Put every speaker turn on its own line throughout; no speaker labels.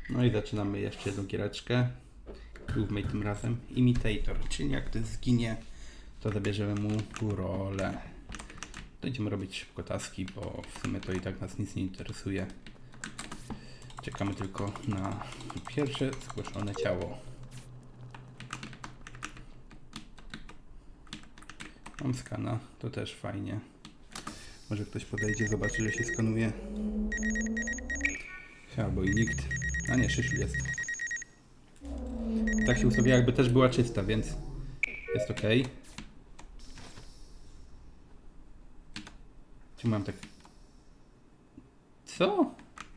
No i zaczynamy jeszcze jedną giereczkę. Movemate tym razem. Imitator, czyli jak to zginie, to zabierzemy mu rolę. Będziemy robić szybko taski, bo w sumie to i tak nas nic nie interesuje. Czekamy tylko na pierwsze zgłoszone ciało. Mam skana, to też fajnie. Może ktoś podejdzie, zobaczy, że się skanuje. Albo i nikt. A nie, Szyszu jest. Tak się ustawia, jakby też była czysta, więc jest ok. Czy mam tak... Co?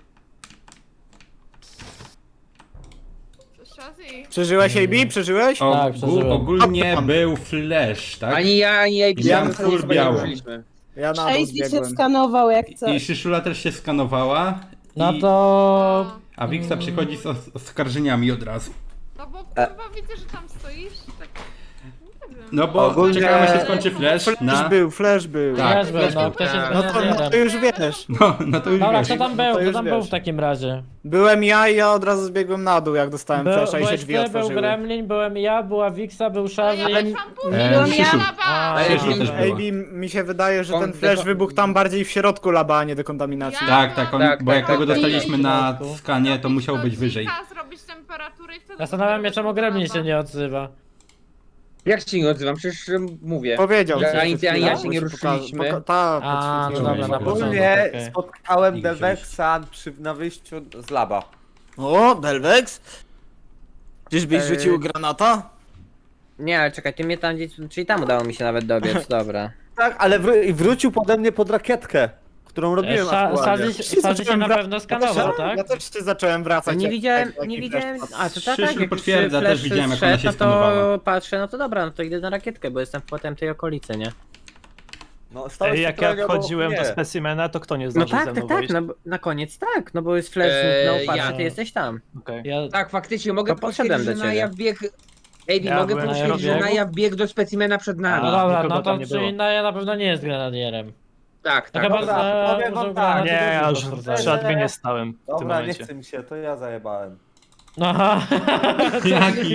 Przeżyłeś AB? Przeżyłeś?
Tak, przeżyłem.
Ogólnie był flash, tak?
Ani ja, ani jej
Ja
ja
full biało.
Ja na dół
Tracy się
zbiegłem.
skanował jak coś.
I Szyszula też się skanowała.
No
i...
to...
A Wiksa przychodzi z oskarżeniami od razu.
No bo kurwa widzę, że tam stoisz, tak... Nie wiem.
No bo
Ogólnie-
czekamy, się skończy flash na...
Flash był.
Tak,
Też był,
też
no,
był.
ktoś jest
No to
grenadierem.
już wiesz.
No to już
Dobra,
wiesz.
kto tam
to
był? Kto
już
tam był
wiesz.
w takim razie?
Byłem ja i ja od razu zbiegłem na dół, jak dostałem flasha i się
Byłeś
drzwi
ty, był
otworzyły.
Gremlin, byłem ja, była Wiksa, był Shazzy.
Ja weszłam później,
Byłam Szyszu.
A,
Szyszu też była.
AB, mi się wydaje, że ten
Kon-
flash
deko-
wybuchł tam bardziej w środku laba, a nie dekontaminacji.
Tak, tak, on,
Tak,
bo jak
tak,
tego
tak.
dostaliśmy na
Tak.
skanie, to musiał być wyżej.
Zrobić temperaturę i wtedy...
Zastanawiam się, czemu Gremlin się nie odzywa.
Jak się nie odzywam? Przecież mówię.
Powiedział.
Ja-
coś
ani
przed
ty, ani ja
chwilą,
się nie
bo
ruszyliśmy.
Tak,
A, no
podświetliło
dobra,
mi
na
się.
początku.
Ogólnie
okej.
spotkałem
Nikt
Delvexa na wyjściu z laba.
O, Delvex? Czyżbyś rzucił granata?
Nie, ale czekaj, ty mnie tam gdzieś, czyli tam udało mi się nawet dobiec, dobra.
Tak, ale wrócił pode mnie pod rakietkę, którą robiłem aktualnie.
Shazzy się na pewno skanował, tak?
Ja też się zacząłem wracać.
Nie
jak-
widziałem,
jak-
nie
jak
widziałem,
flash
a to tak,
Szyszu
tak, jak już
potwierdza,
flash
też widziałem, jak ona
zszedł,
się
no
skanowała.
to patrzę, no to dobra, no to idę na rakietkę, bo jestem potem tej okolicy, nie?
No, stałeś
Jak
trochę
ja
obok
wchodziłem do
mnie.
specimena, to kto nie
No
zdążył
tak,
ze mną
tak, tak,
wejść?
no, na koniec tak, no bo jest flash, no patrz,
ja-
ty jesteś tam.
Okej.
Ja...
Tak, faktycznie, mogę
To poszedłem
potwierdzić, że
do ciebie.
Naja wbiegł... Ej,
Ja
mogę
byłem na
potwierdzić, że
biegu.
Naja wbiegł do specimena przed
No
nami.
dobra,
nikogo
no to
tam nie było.
czyli Naja na pewno nie jest grenadierem.
Tak,
To
tak.
chyba
dobra, powiem wam
użył
tak.
granatu,
Nie, ja
to
już
potwierdzają.
przy adminie stałem w tym
Dobra, nie
momencie.
chce mi się, to ja zajebałem.
Aha.
Jaki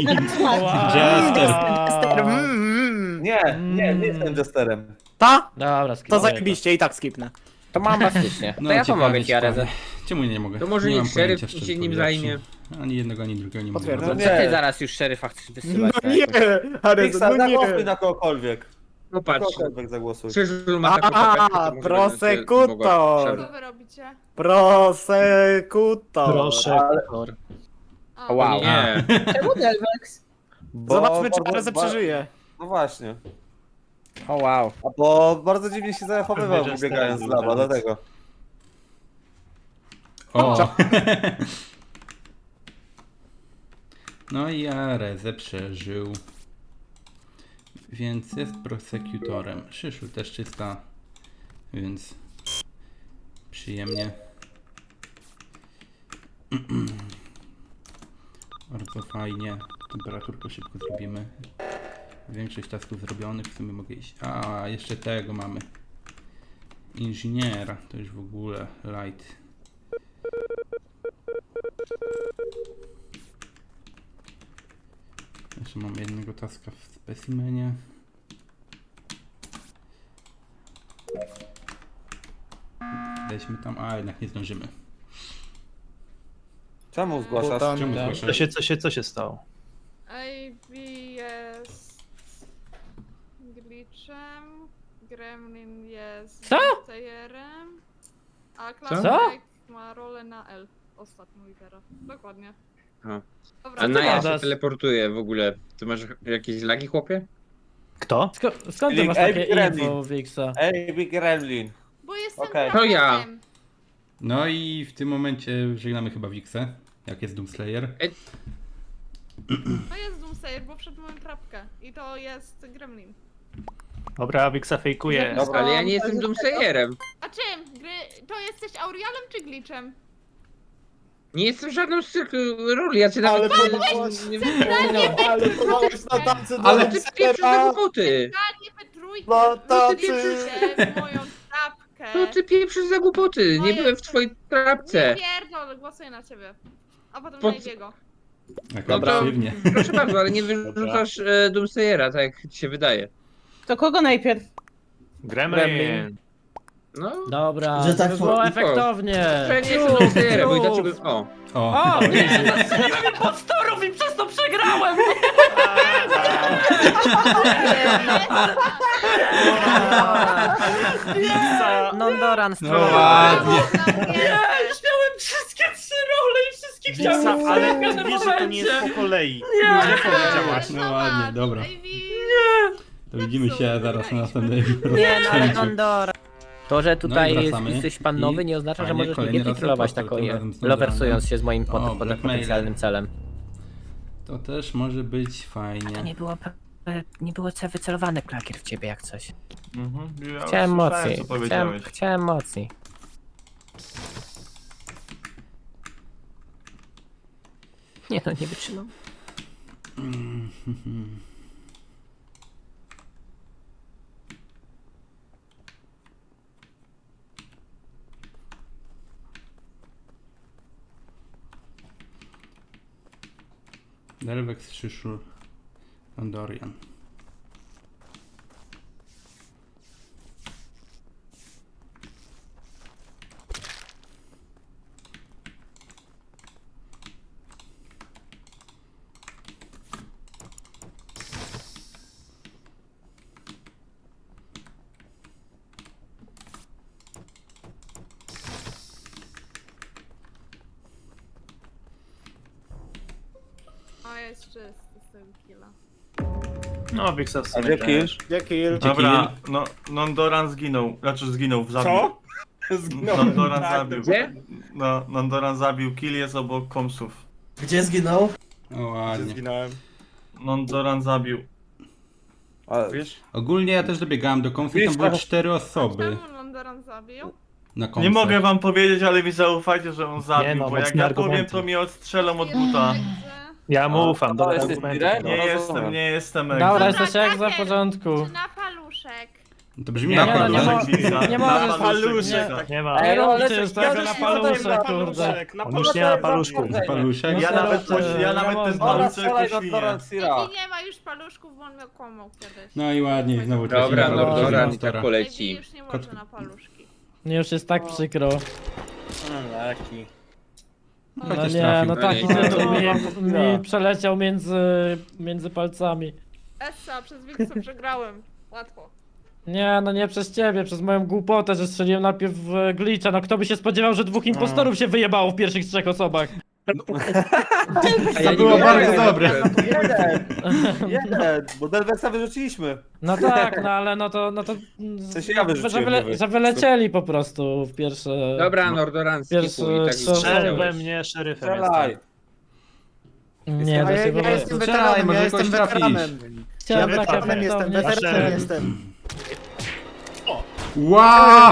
Jester.
Nie jestem jesterem.
Ta?
Dobra,
To
skipuję
zajebiście i tak skipnę.
To mam bastycznie,
No,
to ja
ciekawe,
pomogę ci,
ciekawe.
Areze.
Czemu nie mogę?
To może
nie
niech
mam
szeryf
pojęcia, szczerze
się nim
powiedziawszy.
zajmie.
Ani jednego, ani drugiego nie mogę.
Potwierdzam.
wybrać.
Co ty
Nie.
zaraz już szeryfa chcesz wysyłać?
No nie, Arez,
Fixa,
no
zagłosuj
nie.
na kogokolwiek.
No patrz,
Kogokolwiek zagłosuj.
Krzyżul ma taką
A,
papeczkę, to może
prosekutor.
Co wy robicie?
Prosekutor.
Proszę,
A,
Wow.
Nie.
Czemu Delvex?
Zobaczmy, czy
bardzo-
Areze przeżyje.
No właśnie.
O wow.
A bo bardzo dziwnie się zachowywał,
Jesterem
wybiegając z
był
laba,
Delvex.
dlatego.
O! No i Areze przeżył. Więc jest prosekutorem. Szyszu też czysta. Więc przyjemnie. Bardzo fajnie. Temperaturkę szybko zrobimy. Większość tasków zrobionych, w sumie mogę iść. A, jeszcze tego mamy. Inżyniera, to już w ogóle light. Jeszcze mam jednego taska w specimenie. Weźmy tam, a jednak nie zdążymy.
Czemu zgłaszasz?
Butan.
Czemu
tak.
zgłaszasz?
Co się stało?
AB jest... glitchem, Gremlin jest...
Co?
Playerem, a
Co?
Klasyk ma rolę na L. Ostatnią literę. Dokładnie.
A.
Dobra,
A Naja się
gadasz?
teleportuje w ogóle. Ty masz jakieś lagi, chłopie?
Kto?
Skąd ty masz
Ej,
takie
Gremlin.
info, Wixa?
Ej, Big Gremlin.
bo jestem
Okej.
To ja.
traperem.
No i w tym momencie żegnamy chyba Wixę, jak jest Doomslayer.
To jest Doomsayer, bo wszedł moją trapkę. I to jest Gremlin.
Dobra, Wixa fejkuje.
Dobra.
Ale ja nie jestem Doomsayerem.
A czym? To jesteś Aurialem czy Glitchem?
Nie jestem żadną z tych ról, ja cię
Ale
nawet...
próbowałeś-
nie-
Ale próbowałeś na tacy
Ale
do
Ty pieprzysz za
Dextera.
głupoty!
Nie wytrójkę!
No to
ty
ty-
pieprzycie w moją trapkę!
No ty pieprzysz za głupoty, nie
Moje-
byłem w twojej
Nie
trapce.
pierdol, głosuję na ciebie. a potem
Po
na
co-
jego.
Jak
Dobra.
agresywnie.
Proszę bardzo, ale nie wyrzucasz Doomsayera, tak jak ci się wydaje.
To kogo najpierw?
Gremlin.
No,
Dobra,
Że tak
żeby było
po-
efektownie.
że nie jestem Doomsayerem, bo i dlaczego... O,
O,
O, nie! Zastrzeliłem impostorów i przez to przegrałem!
Nondoran
no
spróbował.
ładnie.
Ja już miałem wszystkie 3 role i wszystkie chciałem
Wiksa, ale
w
wiesz, że to nie jest po kolei. Nie powiedziałaś.
No ładnie, dobra.
Ivy.
To widzimy się zaraz na następnej
Nie, no ale
rozpoczęciu.
Nondoran. To, że tutaj
wracamy.
jesteś pan nowy, nie oznacza, że
Fajnie,
możesz
kolejny
mnie
raz
titulować
reporter,
taką
tym razem z Nondoranem.
lowersując się z moim
O, blackmail.
potencjalnym celem.
To też może być
To
fajnie.
nie było wycelowane klakier w ciebie jak coś.
Ja
Chciałem
już
mocy.
słyszałem, co powiedziałeś.
Chciałem mocy. Nie no, nie wytrzymam.
Delvex, Szyszu, Andorian.
O, jest czysty z tego killa.
No, Wiksa w
A
sumie
gdzie
też.
kill?
Gdzie kill?
Dobra, no, Nondoran zginął. Znaczy zginął, zabił.
Co?
Nondoran
Tak,
zabił.
gdzie?
No, Nondoran zabił, kill jest obok komsów.
Gdzie zginął?
O ładnie.
Zginąłem.
Nondoran zabił.
A,
Wiesz?
Ogólnie ja też dobiegałem do konfy, tam były 4 osoby
Czemu Londoran zabił?
na konfę.
Nie mogę wam powiedzieć, ale mi zaufajcie, że on zabił,
Nie no,
bo jak
mocne
ja powiem,
argumenty.
to mnie odstrzelą od buta.
Ja mu ufam,
to
dobra
jest
argumenty.
Direct?
Nie
No,
jestem,
dobra.
nie jestem
Dobra,
egzem.
jesteś jak za w
Kraker,
porządku.
Czy na paluszek?
To brzmi
Nie,
na
Nie, no, nie
pewno.
mo- nie
Na
możesz-
paluszek.
nie-
Nie ma.
Nie
Ej, no,
róbcie
ale
już
ja
tego
też
na
nie
paluszek,
dodam
kurde.
On już nie ma paluszków.
Paluszek?
Ja nawet, ja
nie
nawet ten
można.
Dobra,
paluszek
strzelaj do
poświnie.
Nondoran Sira.
Ivy nie ma już paluszków, bo on miał kłamał kiedyś.
No i ładnie, znowu
Dobra,
tracimy
no,
paluszek
Nondoran i
Monstera.
tak
Ivy
poleci.
już nie może na paluszki.
Nie, już jest tak przykro.
Laki.
No
Chociaż
nie,
trafił.
no taki
No nie.
tytuł mi przeleciał między palcami.
Essa, przez Wiksa przegrałem. Łatwo.
Nie, no nie przez ciebie, przez moją głupotę, że strzeliłem najpierw w glitcha. No kto by się spodziewał, że 2 impostorów się wyjebało w pierwszych 3 osobach?
To było bardzo dobre.
Jeden, bo Delvexa wyrzuciliśmy.
No tak, no ale no to
sensie ja wyrzuciłem, nie wy.
że wylecieli po prostu w pierwsze...
Dobra, Nordoran
Pierwszy
skipuj i tak
strzał.
Strzel we
strzelałeś.
mnie, szeryfem
Strzelaj.
jestem.
Nie,
A
to
ja,
się po
ja
prostu...
jestem
Strzelaj,
weteranem,
może
ja
kogoś
jestem
trafisz.
weteranem.
Chciałem
Ja
tak
weteranem jestem,
efektownie
weteranem
strzelić.
jestem.
Wow!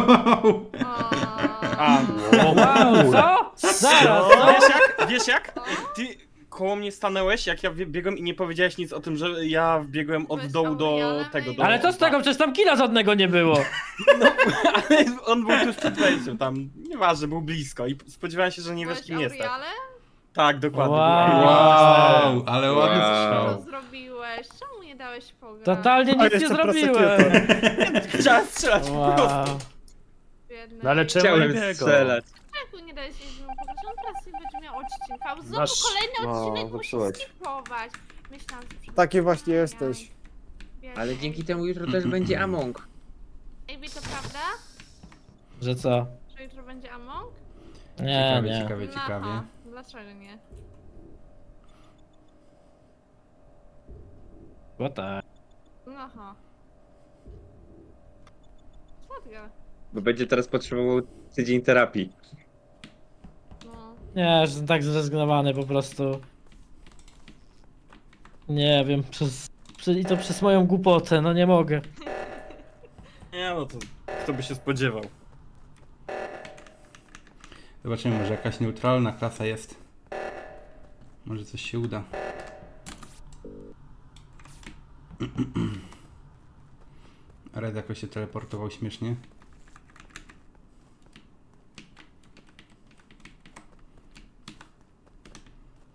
O,
Wow, co? Zaraz, co?
Wiesz jak? Ty koło mnie stanęłeś, jak ja biegłem i nie powiedziałeś nic o tym, że ja wbiegłem od
Byłeś
dołu do
Aurelianem
tego.
i-
Do...
Ale co z tego, przecież tam killa żadnego nie było.
Ale on był tuż przed wejściem tam, nieważne, był blisko i spodziewałem się, że nie wiesz
byłeś
kim jestem.
Auriale?
Tak, dokładnie.
Wow.
Wow, ale ładny
Wow.
strzał.
Co zrobiłeś? Czemu nie dałeś pograć?
Totalnie nic nie
jeszcze
zrobiłem.
Chciałem strzelać po
Wow.
prostu.
Biedny.
No ale czemu
Chciałem
jego?
strzelać.
Czemu nie dałeś jej pograć? On teraz nie będzie miał odcinka. Znowu
Masz-
kolejny
no,
odcinek musi
zepsułeś.
skipować. Myślałam, że
Taki właśnie jesteś.
Biedny.
Ale dzięki temu jutro też będzie Among.
Ejbi, to prawda?
Że co?
Że jutro będzie Among?
Nie,
Ciekawie,
nie.
ciekawie, ciekawie.
Aha, dlaczego nie?
Bo tak.
Aha. Słodkie.
Bo będzie teraz potrzebował tydzień terapii.
No.
Nie, że jestem tak zrezygnowany po prostu. Nie wiem, i to przez moją głupotę, no nie mogę.
Nie no to kto by się spodziewał.
Zobaczymy, może jakaś neutralna klasa jest. Może coś się uda. Red jakoś się teleportował śmiesznie.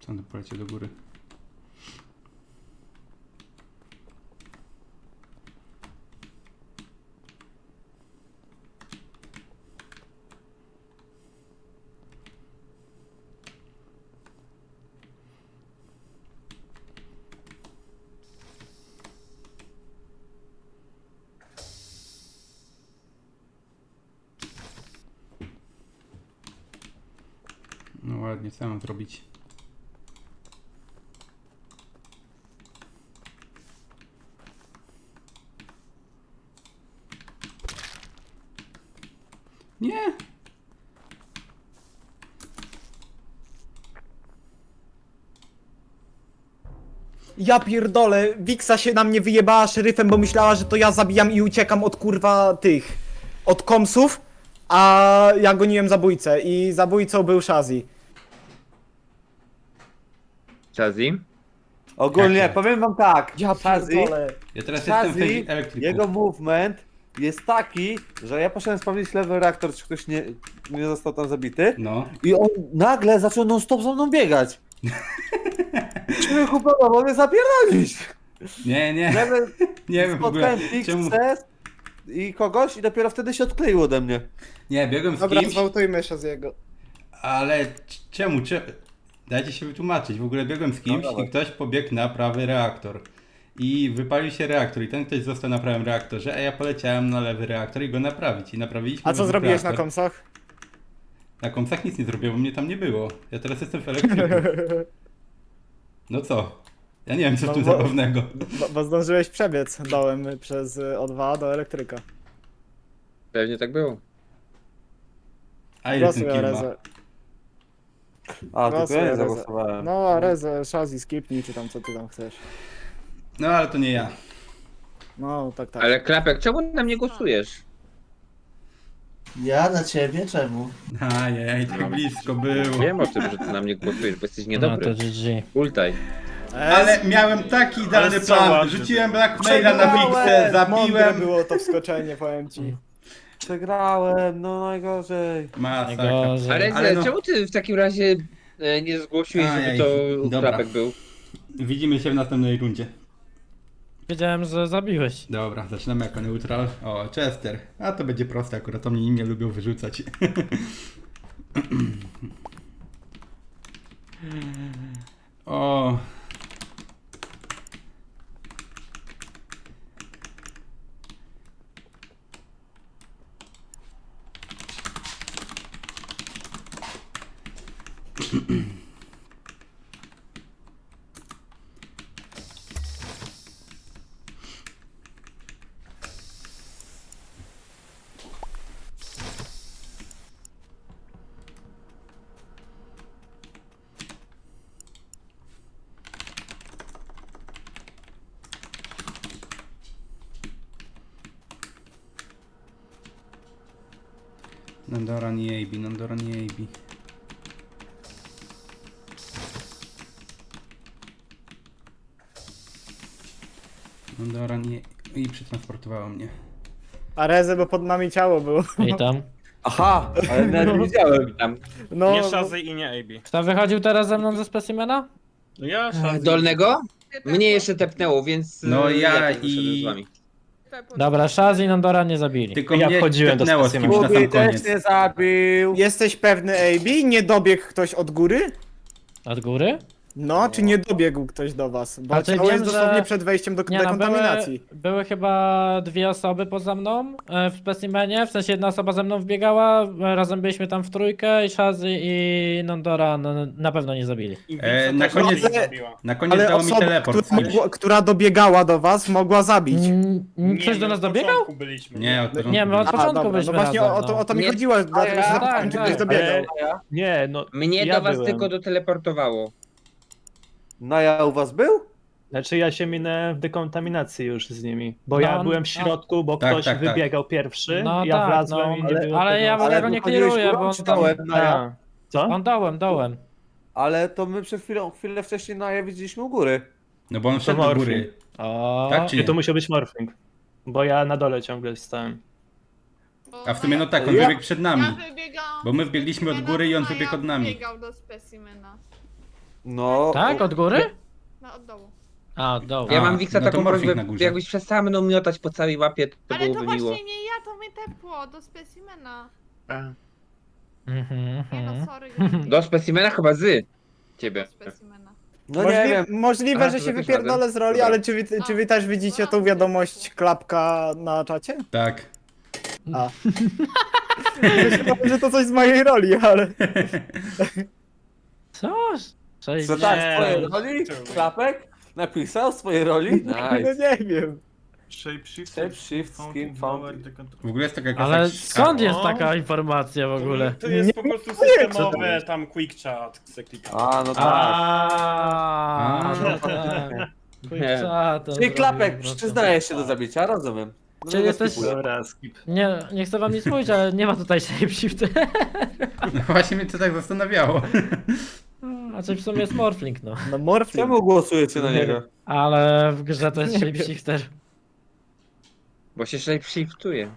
On poleciał do góry. No ładnie, co mam zrobić? Nie!
Ja pierdolę, Wiksa się na mnie wyjebała szeryfem, bo myślała, że to ja zabijam i uciekam od kurwa tych... od komsów, a ja goniłem zabójcę i zabójcą był Shazzy.
Shazzy?
Ogólnie,
Jak to?
powiem wam tak.
Ja
Shazzy,
pierdolę.
Ja teraz jestem w tej elektryku.
jego movement jest taki, że ja poszedłem sprawdzić lewy reaktor, czy ktoś nie został tam zabity.
No.
I on nagle zaczął non stop za mną biegać. Człowieku, próbował mnie zapierdolić.
Nie, nie.
Nagle
Nie wiem w ogóle.
spotkałem
Czemu?
Fixes i kogoś i dopiero wtedy się odkleił ode mnie.
Nie, biegłem z
Dobra,
kimś,
zwołtujmy Shazzy'ego.
ale czemu? Dajcie się wytłumaczyć. W ogóle biegłem z kimś
No dawaj.
i ktoś pobiegł na prawy reaktor. I wypalił się reaktor i ten ktoś został na prawym reaktorze, a ja poleciałem na lewy reaktor i go naprawić. I naprawiliśmy
A co
lewy
zrobiłeś na
reaktor.
komsach?
Na komsach nic nie zrobiłem, bo mnie tam nie było. Ja teraz jestem w elektryku. No co? Ja nie wiem co w
No
tym
bo-
zabawnego.
Bo zdążyłeś przebiec dołem przez O2 do elektryka.
Pewnie tak było.
A ile ten
Głosuj
kill ma?
Arezę.
A, tylko ja nie
Arezę.
zagłosowałem.
No Arezę, Shazzy, skipnij czy tam co ty tam chcesz.
No ale to nie ja.
No tak, tak.
Ale Klapek, czemu na mnie głosujesz?
Ja na ciebie? Czemu?
Ajej, tak blisko było.
Wiem o tym, że ty na mnie głosujesz, bo jesteś
No
niedobry.
to GG.
Ultaj.
Ale miałem taki idealny
Ale co
plan.
ładny
Rzuciłem blackmaila na fixę,
Mądre
zabiłem.
było to wskoczenie, powiem ci.
Przegrałem, no najgorzej.
Masakra.
Najgorzej.
Ale,
Ale no-
czemu ty w takim razie nie zgłosiłeś, żeby
Ajej,
to
dobra.
Klapek był?
Widzimy się w następnej rundzie.
Wiedziałem, że zabiłeś.
Dobra, zaczynamy jako neutral. O, Chester. A to będzie proste, akurat to mnie nie lubią wyrzucać. O. Nandora nie AB, Nandora nie AB. Nandora nie... I przetransportowała mnie.
Arezę, bo pod nami ciało było.
I tam.
Aha, ale nawet nie widziałem.
Tam.
No,
Nie Shazzy i nie AB.
Kto wychodził teraz ze mną ze specimena?
No ja Shazzy.
Dolnego? Mnie jeszcze tepnęło, więc
No ja
też wyszedłem
i-
z wami.
Dobra, Shazzy i Nandora nie zabili.
Tylko
Ja
mnie
wchodziłem do
tepnęło z kimś na
Kubi
sam
też
koniec.
nie zabił.
Jesteś pewny AB? Nie dobiegł ktoś od góry?
Od góry?
No, czy nie dobiegł ktoś do was? Bo
Znaczy,
ciało
wiem,
jest
że-
dosłownie przed wejściem do
Nie, no,
dekontaminacji.
były chyba dwie osoby poza mną w specimenie, w sensie jedna osoba ze mną wbiegała, razem byliśmy tam w trójkę i Shazzy i Nandora na pewno nie zabili.
I
Na
Wiksa też
koniec-
mnie zabiła.
Na koniec
Ale
dało mi
osoba,
teleport z kimś.
która dobiegała do was, mogła zabić.
Ktoś
Nie,
do
my
nas
od
dobiegał?
początku byliśmy.
Nie, od początku
Nie, my od
byliśmy.
początku
dobra,
byliśmy
no właśnie
razem,
o to mi
Nie.
chodziło, dlatego że
ja-
zapytałem, czy
tak,
ktoś
tak.
dobiegał.
Nie, no.
Mnie
ja
do was
byłem.
tylko doteleportowało.
Naja u was był?
Znaczy ja się minęłem w dekontaminacji już z nimi. Bo
No,
ja byłem w środku, bo
Tak,
ktoś
tak, tak.
wybiegał pierwszy,
No
ja
tak,
wlazłem
no,
i nie było
ale
tego...
ja w ogóle go nie
wychodziłeś
clearuję,
górą
bo on
czy
tam...
dołem, Naja?
A, co?
On dołem.
Ale to my przed chwilę wcześniej Naja widzieliśmy u góry.
No bo on szedł do
morfin.
góry.
O,
Tak czy
Nie,
nie?
to musiał być morphing. Bo ja na dole ciągle stałem.
A w sumie no tak, on
Ja-
wybiegł przed nami.
Ja wybiegałam
Bo my
do
wbiegliśmy od
specimena,
góry i on
a
wybiegł
ja
od nami.
wybiegał do specimena.
No.
Tak, od góry?
No, od dołu.
A, od dołu.
Ja
A,
mam Wiksa
no to
taką
morfik
prośbę,
na górze.
jakbyś przestała mną miotać po całej mapie, to
Ale to
byłoby
właśnie
miło.
nie ja, to mnie tepło do specimena.
Mhm,
Nie no,
mhm.
sorry.
Do specimena chyba z ciebie.
Do specimena.
No nie wiem.
Możliwe,
A,
że
to
się
za też
wypierdolę
razem?
z roli,
Dobra.
ale czy wy też widzicie tą wiadomość klapka na czacie?
Tak.
A. Myślałem, że to coś z mojej roli, ale...
Co? Cześć.
Co tak,
Nie,
z twojej
no,
roli?
czemu?
Klapek? Napisał z twojej roli?
No
Nice.
nie wiem.
Shapeshift,
Shapeshift, skin found.
W ogóle jest taka jakaś
Ale
tak
skąd jest
O.
taka informacja w ogóle?
To jest po prostu systemowe, tam quick chat, se klika.
A, no tak.
A, no
A.
tak. Quick
Nie.
chat,
Czyli klapek
po prostu.
przyznajesz się do zabicia, rozumiem. No,
Czyli
no,
jesteś-
skipuję.
Dobra, skip.
Nie chcę wam nic mówić, ale nie ma tutaj shapeshift.
No właśnie mnie to tak zastanawiało.
Znaczy w sumie jest morphling, no.
No morfling.
Czemu głosujecie na niego?
Ale w grze to jest
Nie wiem.
shapeshifter.
Bo się shapeshiftuje.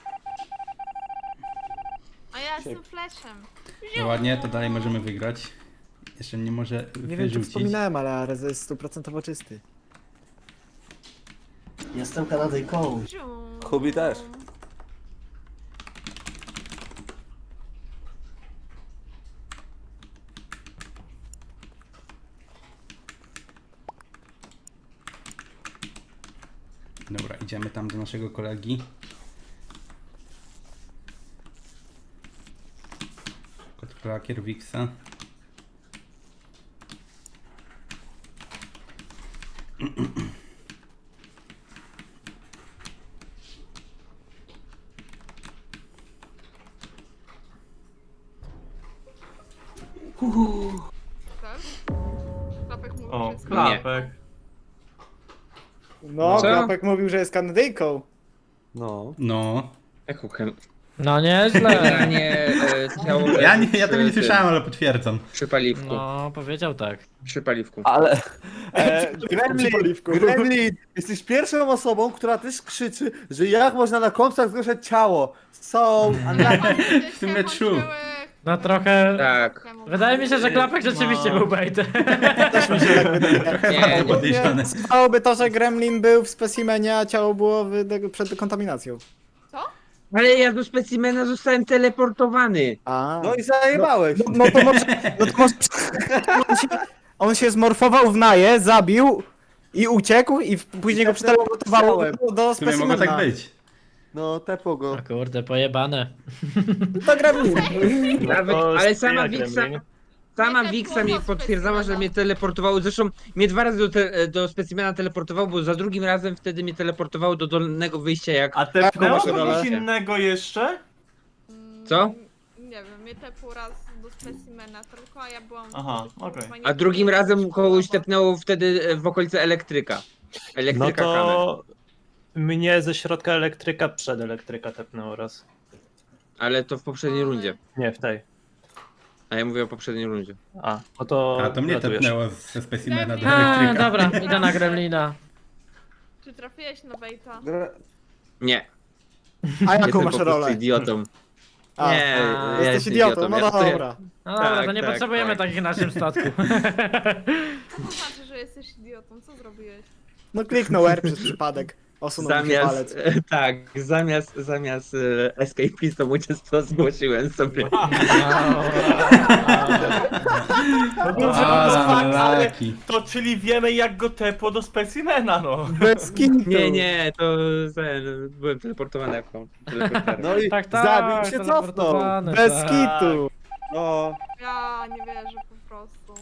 A ja jestem flashem.
No ładnie, to dalej możemy wygrać. Jeszcze mnie może
Nie wiem, czy
wyrzucić.
wspominałem, ale Ares jest 100% czysty.
Jestem Kanadyjką.
Hubi też.
Dobra, idziemy tam do naszego kolegi. Kot klakier Wixa.
Tak? Klapek mówi,
O,
że jest
klapek.
No,
Co?
klapek mówił, że jest Kanadyjką.
No.
No.
Jaką chem...
No nieźle.
Generalnie ciało
Ja tego nie
przy
słyszałem,
tym,
ale potwierdzam.
Przy paliwku.
No, powiedział tak.
Przy paliwku.
Ale...
Gremlin,
Gremlin, jesteś pierwszą osobą, która też krzyczy, że jak można na kompsach zgłaszać ciało. So,
W sumie true.
No trochę...
Tak.
Wydaje mi się, że klapek rzeczywiście
No.
był baitem.
Też mi się tak wydaje.
Nie, nie.
Podejrzane.
Stałoby to, że Gremlin był w specimenie, a ciało było przed dekontaminacją.
Ale ja do specimena zostałem teleportowany.
A.
no i zajebałeś.
No to może... No to może... On się zmorfował w Naję, zabił i uciekł i później go przeteleportowało do
W sumie mogło
specimena.
tak być.
No, tepo go.
O kurde, pojebane.
To Gremlin.
Nawet,
To
ale
jest
sama
ja,
Wixa,
Gremlin.
sama
Nie,
Wixa
tak
mi
było
potwierdzała, że
specimena.
mnie teleportowało. Zresztą mnie 2 razy do specimena teleportowało, bo za drugim razem wtedy mnie teleportowało do dolnego wyjścia jak...
A tepnęło
masz rolę?
kogoś innego jeszcze?
Co?
Nie wiem, mnie tepł raz do specimena tylko, a ja byłam...
Aha, okej.
A drugim razem kogoś tepnęło wtedy w okolice elektryka.
No
Elektryka kamer.
to... Mnie ze środka elektryka przed elektryka tepnęło raz.
Ale to w poprzedniej rundzie.
Nie, w tej.
A ja mówię o poprzedniej rundzie.
A, no to...
A to mnie
gratujesz.
tepnęło ze specimena do
A,
elektryka.
dobra, idę na Gremlina.
Czy trafiłeś na baita?
Nie.
A jaką
Jestem
masz
po prostu
rolę?
idiotą.
A,
Nie, ja
jesteś
jestem
idiotą, no
ja stoję-
dobra.
No dobra,
Tak,
to nie
tak,
potrzebujemy
tak.
takich w naszym statku.
Co to znaczy, że jesteś idiotą? Co zrobiłeś?
No kliknął R przez przypadek. Osunął mi się palec.
tak, zamiast escapistą uczestnictwo zgłosiłem sobie.
A, laki.
To czyli wiemy jak go tepło do specimena, no.
Bez kitu.
Nie, to byłem teleportowany jako teleporter.
No i
Tak, tak.
zabił się, cofnął.
teleportowany,
Bez
tak.
kitu.
No.
Ja nie wierzę po prostu.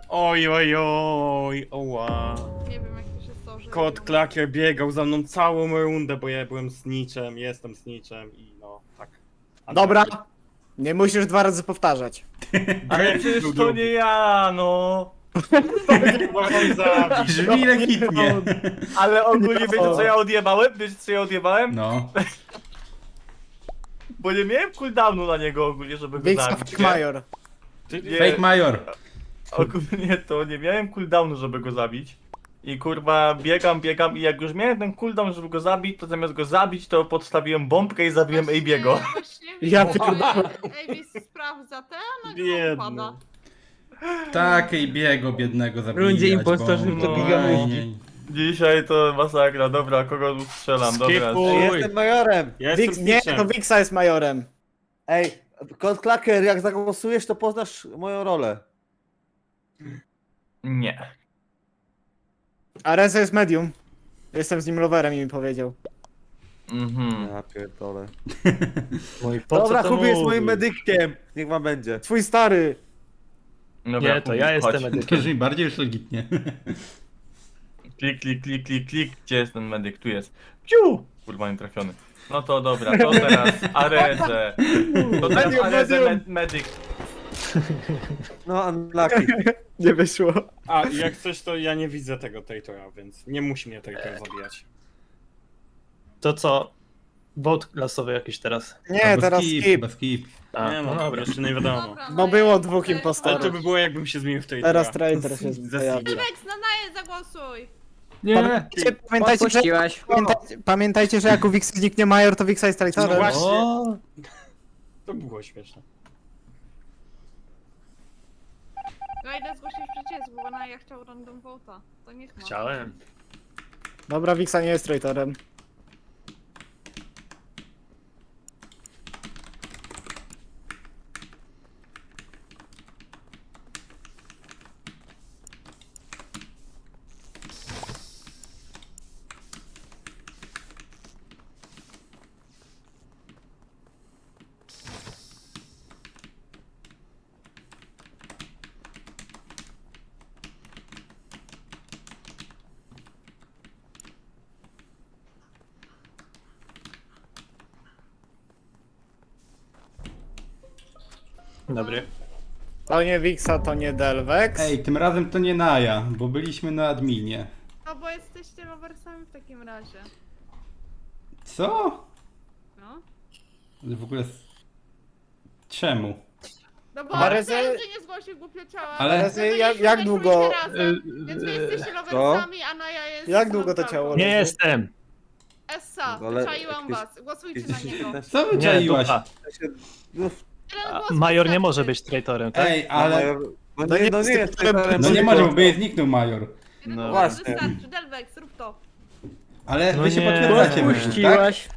Oj, oj, oj, oła.
Nie wiem jak to się stało,
Kot Klakier biegał za mną całą rundę, bo ja byłem snitchem, jestem snitchem i no, tak. A
Dobra. Nie musisz 2 razy powtarzać.
Ale przecież to nie ja, no.
Brzmi legitnie.
Ale ogólnie wiecie co ja odjebałem? Wiecie co ja odjebałem?
No.
Bo nie miałem cooldownu na niego ogólnie, żeby go
Wiksa
zabić.
Fake Major.
Nie,
Fake Major.
ogólnie to nie miałem cooldownu, żeby go zabić. I kurwa biegam i jak już miałem ten cooldown, żeby go zabić, to zamiast go zabić, to podstawiłem bombkę i zabiłem AB'ego.
Ja pierdolę.
Ej, sprawdza te, a nagle
Biedny.
upada.
Tak, i biego biednego zabijać.
Rundzie impostorzy
bo-
to
Oj,
gigamówki.
nie.
Dzisiaj to masakra, dobra, kogo tu strzelam, dobra.
Skipuj.
Jestem majorem.
Ja jestem
Nie,
snitchem.
to Wiksa jest majorem.
Ej, Kot Klaker, jak zagłosujesz, to poznasz moją rolę. Nie.
A Reza jest medium. Jestem z nim loverem i mi powiedział.
Ja pierdolę.
No i po
Dobra,
co to
Kubi jest
mówisz?
moim medykiem. Niech wam będzie.
Twój stary.
Nie, to ja jestem medykiem.
Brzmi bardziej już legitnie.
Klik, gdzie jest ten medyk? Tu jest. Piu! Kurwa, nie trafiony. No to dobra, to teraz Arezę. To teraz
Medium,
Arezę
medium.
medyk. No, unlucky.
Nie wyszło.
A jak coś, to ja nie widzę tego Tatora, więc nie musi mnie Tator zabijać.
To co? Bot klasowy jakiś teraz.
Nie,
Albo
teraz
skip.
skip.
Chyba skip.
A,
Nie
no
no,
dobra.
jeszcze nie wiadomo.
Dobra,
No było
ja
2
chcę-
Ale
impostorów.
to by było jakbym się zmienił w Tatora.
Teraz traitor się
Ze
pojawi.
snitcha.
Rex, na naje zagłosuj!
Pamiętajcie, że,
Odpuściłaś.
pamiętajcie, że jak u Wiksa zniknie major, to Wiksa jest
No
traitorem.
właśnie.
O,
To było śmieszne.
Ja idę zgłosić przeciwieństwo, bo Naja chciał random vote'a. To niech ma.
chciałem.
Dobra, Wiksa nie jest traitorem.
Dobry.
To nie Wiksa, to nie Delvex.
Ej, tym razem to nie Naja, bo byliśmy na adminie.
No bo jesteście loversami w takim razie.
Co?
No.
W ogóle... Czemu?
No bo
Ale
Rezy...
że-
nie zgłosił głupio ciała.
Ale-
No to
jak
byliśmy
długo-
razem, Więc wy jesteście loversami, a Naja jest...
Jak długo to
neutralką.
ciało
Nie jestem.
Essa,
Ale
wyczaiłam
jakieś-
was. Głosujcie na niego.
Co
Nie,
wyczaiłaś?
dupa.
Jeden
A,
głos
Major nie
wystarczy.
może być traitorem, tak?
Ej, ale...
No
No
nie,
nie
no nie
jest
jest
traitorem.
No nie może, bo by zniknął Major.
Jeden
No
głos
właśnie.
wystarczy. Delvex, rób to.
Ale
No
wy się
nie.
potwierdzacie, tak?
Odpuściłaś.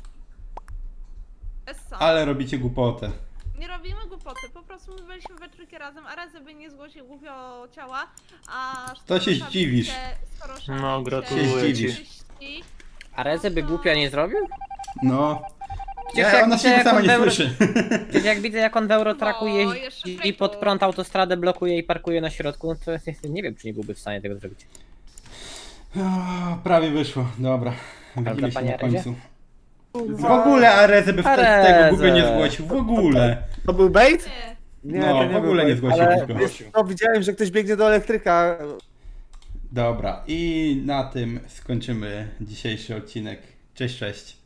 Essa.
Ale robicie głupotę.
Nie robimy głupoty, po prostu my byliśmy we trójkę razem, a Rezy by nie zgłosił głupio ciała, a...
To się zdziwisz.
No, gratuluję
Się
ci.
zdziwisz.
A Rezy by głupia nie zrobił?
No.
Przecież
Ja,
jak
ona
widzę,
się
jak
sama
on
nie
w euro-
słyszy.
Przecież jak widzę jak on w Eurotraku
No,
jeździ
jeszcze
i
traitor.
pod prąd autostradę blokuje i parkuje na środku, to nie wiem czy nie byłby w stanie tego zrobić.
O, prawie wyszło, dobra. Widzimy się
panie
na
Arezie?
końcu. W ogóle Arezę by wtedy
Arezę.
tego głupio nie zgłosił, w ogóle.
To był bait?
Nie.
Nie,
No,
to nie
w ogóle nie
był
zgłosił
ale
głupio.
wiesz co, widziałem, że ktoś biegnie do elektryka.
Dobra, i na tym skończymy dzisiejszy odcinek. Cześć, cześć.